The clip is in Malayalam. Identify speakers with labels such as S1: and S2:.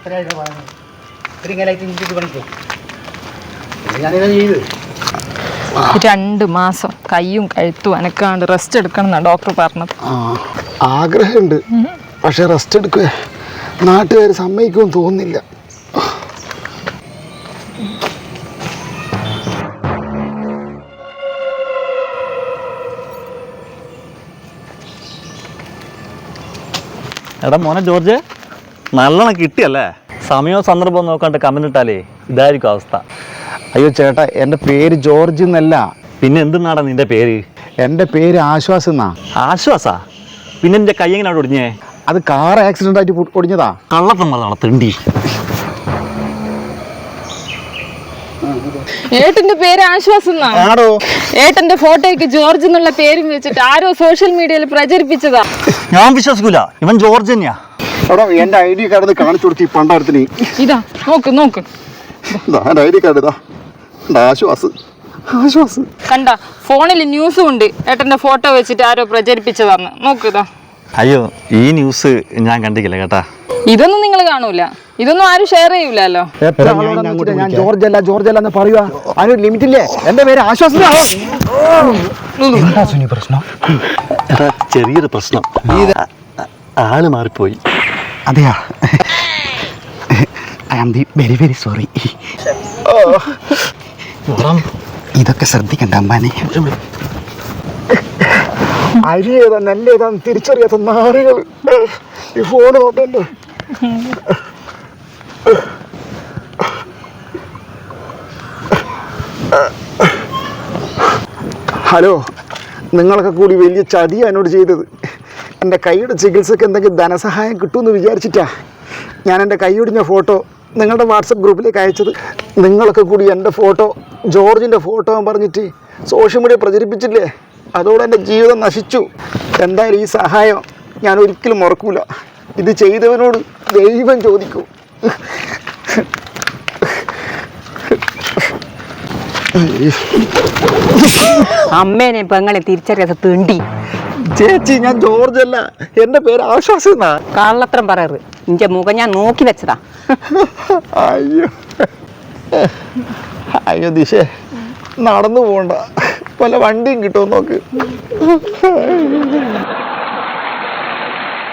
S1: 2 മാസം കയ്യും കഴുത്തും അനക്കാണ്ട് റെസ്റ്റ് എടുക്കണം എന്നാണ് ഡോക്ടർ പറഞ്ഞത്.
S2: ആഗ്രഹമുണ്ട്, പക്ഷെ റെസ്റ്റ് എടുക്കുക നാട്ടുകാർ സമ്മതിക്കുമെന്ന് തോന്നുന്നില്ല.
S3: എടാ മോനെ ജോർജ്, നല്ലോണം കിട്ടിയല്ലേ? സമയവും സന്ദർഭവും നോക്കാണ്ട് കമന്റ് ഇട്ടാലേ ഇതായിരിക്കും അവസ്ഥ.
S2: അയ്യോ ചേട്ടാ, എൻ്റെ പേര് ജോർജ് എന്നല്ല.
S3: പിന്നെ എന്തിനാടാ നിന്റെ പേര്?
S2: എൻ്റെ പേര് ആശ്വാസ് എന്നാ.
S3: ആശ്വാസാ? പിന്നെ എൻ്റെ കൈ എങ്ങനെ അവിടെ ഒടിഞ്ഞേ?
S2: അത് കാർ ആക്സിഡൻ്റ് ആയിട്ട് ഒടിഞ്ഞതാ.
S3: കള്ളത്തം പറഞ്ഞാണോ തെണ്ടി?
S1: ഏട്ടന്റെ പേര് ആശ്വാസം എന്നാണോ? ഏട്ടന്റെ ഫോട്ടോയ്ക്ക് ജോർജ് എന്നുള്ള പേരും വെച്ചിട്ട് ആരോ സോഷ്യൽ മീഡിയയിൽ പ്രചരിപ്പിച്ചതാ.
S3: ഞാൻ വിശ്വസിക്കൂല, ഇവൻ ജോർജ് തന്നെയാ.
S2: എൻ്റെ ഐ ഡി കാർഡ് കാണിച്ചു കൊടുത്തി പണ്ടാരത്തിന്.
S1: ഇതാ നോക്ക്
S2: ഐ ഡി കാർഡ് ഇതാ. ആശ്വാസ് ആശ്വാസ്
S1: കണ്ട, ഫോണിൽ ന്യൂസും ഉണ്ട് ഏട്ടന്റെ ഫോട്ടോ വെച്ചിട്ട് ആരോ പ്രചരിപ്പിച്ചതാന്ന്. നോക്കിതാ.
S3: അയ്യോ, ഈ ന്യൂസ് ഞാൻ കണ്ടിക്കില്ല കേട്ടാ.
S1: ഇതൊന്നും നിങ്ങൾ കാണൂല, ഇതൊന്നും ആരും ഷെയർ ചെയ്യൂലോ.
S2: ഞാൻ ജോർജ് അല്ല എന്ന് പറയുക. അതിനൊരു ലിമിറ്റ് ഇല്ലേ? എൻ്റെ പേര് ആശ്വാസം. പ്രശ്നം
S3: ചെറിയൊരു പ്രശ്നം, ആള് മാറിപ്പോയി.
S2: അതെയാ? I am very very sorry. ഇതൊക്കെ ശ്രദ്ധിക്കണ്ട അമ്മാനെ. അരി ഏതാ നെല്ല് ഏതാന്ന് തിരിച്ചറിയാത്ത നാറുകൾ ഈ ഫോണ് നോക്കല്ലോ. ഹലോ, നിങ്ങളൊക്കെ കൂടി വലിയ ചതിയാണ് എന്നോട് ചെയ്തത്. എൻ്റെ കൈയുടെ ചികിത്സക്ക് എന്തെങ്കിലും ധനസഹായം കിട്ടുമെന്ന് വിചാരിച്ചിട്ടാ ഞാൻ എൻ്റെ കൈയൊടിഞ്ഞ ഫോട്ടോ നിങ്ങളുടെ വാട്സപ്പ് ഗ്രൂപ്പിലേക്ക് അയച്ചത്. നിങ്ങളൊക്കെ കൂടി എൻ്റെ ഫോട്ടോ, ജോർജിൻ്റെ ഫോട്ടോ പറഞ്ഞിട്ട് സോഷ്യൽ മീഡിയ പ്രചരിപ്പിച്ചില്ലേ? അതോടെ എൻ്റെ ജീവിതം നശിച്ചു. എന്തായാലും ഈ സഹായം ഞാൻ ഒരിക്കലും മറക്കൂല. ഇത് ചെയ്തവനോട് ദൈവം ചോദിക്കൂ.
S4: അമ്മേനെ പെങ്ങളെ തിരിച്ചറിയാത്ത തിണ്ടി.
S2: ചേച്ചി, ഞാൻ ജോർജ് അല്ല, എൻ്റെ പേര് ആശ്വാസം എന്നാ.
S4: കള്ളത്രം പറയറ്. നിന്റെ മുഖം ഞാൻ നോക്കി വെച്ചതാ.
S2: അയ്യോ ദിശേ, നടന്നു പോണ്ട, വല്ല വണ്ടിയും കിട്ടുമോ നോക്ക്.